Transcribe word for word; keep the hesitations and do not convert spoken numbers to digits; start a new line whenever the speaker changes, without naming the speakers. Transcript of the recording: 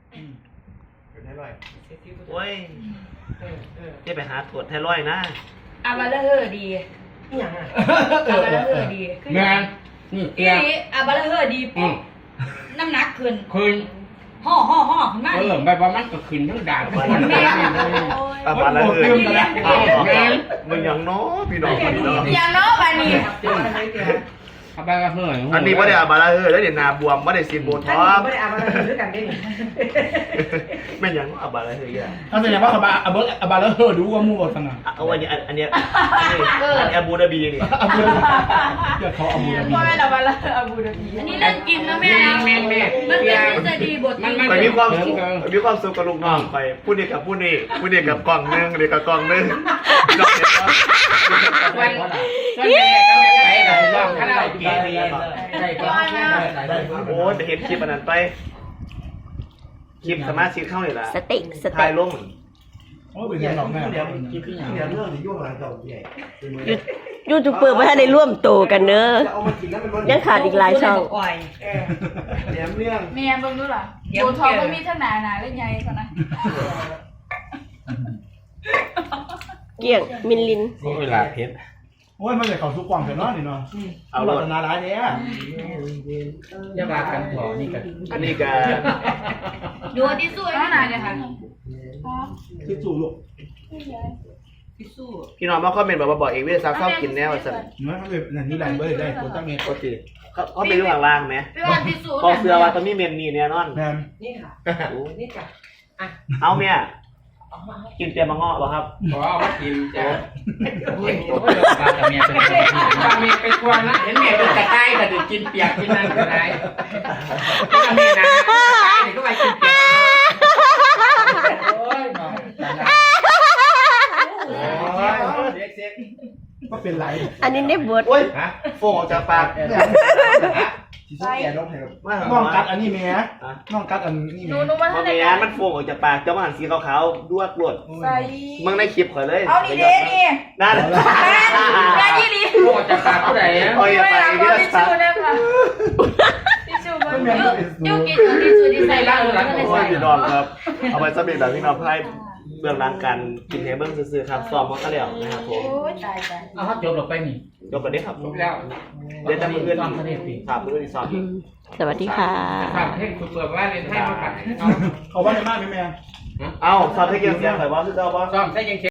เป็นไทรอยด์
โอ้ยจะไปหาตรวจไทรอยด์นะ
อาบาลาเฮอร์ดี
อย่างอ่ะ
อาบาลาเฮอร์ดี
แมนนี่
อี
เตี้ย
นี่อาบาลาเฮอร์ดีปุ๊บน้ำหนักขึ้น
คืน
ห่อห่อห่อขึ้นมา
เออใบประมันก็คืนทั้งด่าน
แม่
อาบาละเฮ้ย
แมน
มันยังน้อพี่น้องพี่น้อง
อย่างน้อยบานี่
เอาไปก็เฮ้ย
อันนี้ไม่ได้อาบาละเฮ้ยแล้วเดี๋ยวนาบวมไม่ได้ซีนโบ
ท่า
ท็อน ก
ไม่ได้อาบอะไรด้วยกันได้หนิ
แม่ยังอาบาละเฮ้ยอ่ะ
ถ้าแสดงว่าอาบาอาบาอาบาแล้วเฮอดูว่ามู่สนะ
เอาอันนี้อันนี้อันนี้อันนี้อาบูดาบีนี่
อาบูเดี๋ยวเขาอาบูดาบี
พ่อแม่อาบาลาอาบูดาบีอันนี้เล่นกินนะแม่นะ
แม่แม่
มันเป็นทฤษฎีบท
มัน
ไปมีความสุขมีความสุขกับลูกน้องไปพูดนี่กับพูดนี่พูดนี่กับกล่องนึงเด็กกับกล่องนึง
วันส่วนใหญ่ก็ไม่ไปกับร้องคาราโอเกะเลยได้ก็
โอ้จะเห็นคลิปอันนั้นไปคลิปสามารถชิดเข้าเลยล่ะ
สติส
ถ่า
ติ
ยลง
โอ้ยเป็นยังหนองแม่
เดี๋ยวเดี๋ยวเรื่องที่ยุ่งอะไรต่อใหญ่
ยูทูบเบอร์ไม่ได้ร่วมโตกันเนอะ
จะเอามากินแล้วมัน
ยังขาดอีกหลายช่อง
อ่อย
เดี๋ยวเรื่อง
แม่เบิ่งดูล่ะโบทองก็มีทั้งหนาหนาและใหญ่กว่านะ
เกี่ยงมินลิน
เวลาเพชร
โอ้ยมันเลยเขาทุกกล่องเสร็จแล้วนี่เนาะ
เอา
ห
ร
ลอ
ถ
ดนาร้ายเนี้ย
จะมากันพอนี่กัน
อันนี้ก็
ดูที่สู้
น้องหนาเนี่ยค่ะอ๋อ
ที่สู่ลูก
ที่สู้
พี่น้องมาคอมเมนต์บอกว่าบอกเอกวิทยาศาสตร์ชอบกินแนวสั่น
เนื้อเขาเลยนั่นนี่แรงเบอร์ได้ตัวตั้งเมตร
ปกติเขาเขาไปอยู่ข้างล่างไหม
พี่ว่าที่สู้
พอเสื้อว่าตอนนี้เมนนี่แน่นอน
แมน
นี่ค่ะนี่จ้ะ
เอาเมียกินเตียมะเงาะป่ะครับ
ขอเอามากินจ้ะโอ้ยโอ้ยปลากับเมียเป็นปลาเมียเป็นควานนะเห็นเมียเป็นกระต่ายก็จะกินเปียกกินนั่นก็ได้ปลาเมียนะกระต่ายก็ไปกินเปียกโอ้ยน้อง
ก็เป็นไร
อันนี้ได้บท
โอ้ย
ฮะ
โฟงออกจากปาก
ที่สุดแก่ต้องแข่ง
มา
น้องกัดอันนี้แม่น้องกัดอันนี้
หนู
แม่
หนูมา
พอ
ทำ
เมี
ราย
ย
การ
มันโฟงออกจากปากเจ้ามันหันสีขาวๆดวดรวด
ใส่
มึงในคลิปข่อยเลย
เอานี่เด้นี่
นั่น
แม่ยี่ลี
โอ้จะปากผู้ใดอ่ะ
โอ้ย
ไม่
ไป
รัก
วิ
ว่า
ท
ทิช
ยาศาสต
ชู่
ร์
เนี่ยค่ะทิชชู่มัน
ยูกินตัวที่สู้ที่ใส่บ้างแล้วก็เลย
โอ้ย
ใส่
พี่น้องครับ เอาไปสำเร็จแบบพี่น้องให้เบื้องหลังการกินเฮเบิ้งซื้อๆครับซ้อมมาก็แล้วนะครับผม
โอ้ยตายตาย
เอาเขาจบลงไปนี่
ยกกันได้ครับ
จบแล้ว
เดี๋ยวจะมืออื่น
ซ้อมทะเลปี
ครับมืออื่นซ้อม
สวัสดีค่ะ
ซ้อมเทคคุณเปิดว่าเรียนให้มาปัด
เขาว่าในมากไหมแม่
เอ้าซ้อมให้เกี่ยวเสียงข่อยว่าคือเจ้าบ่
ซ้อมใช้ยัง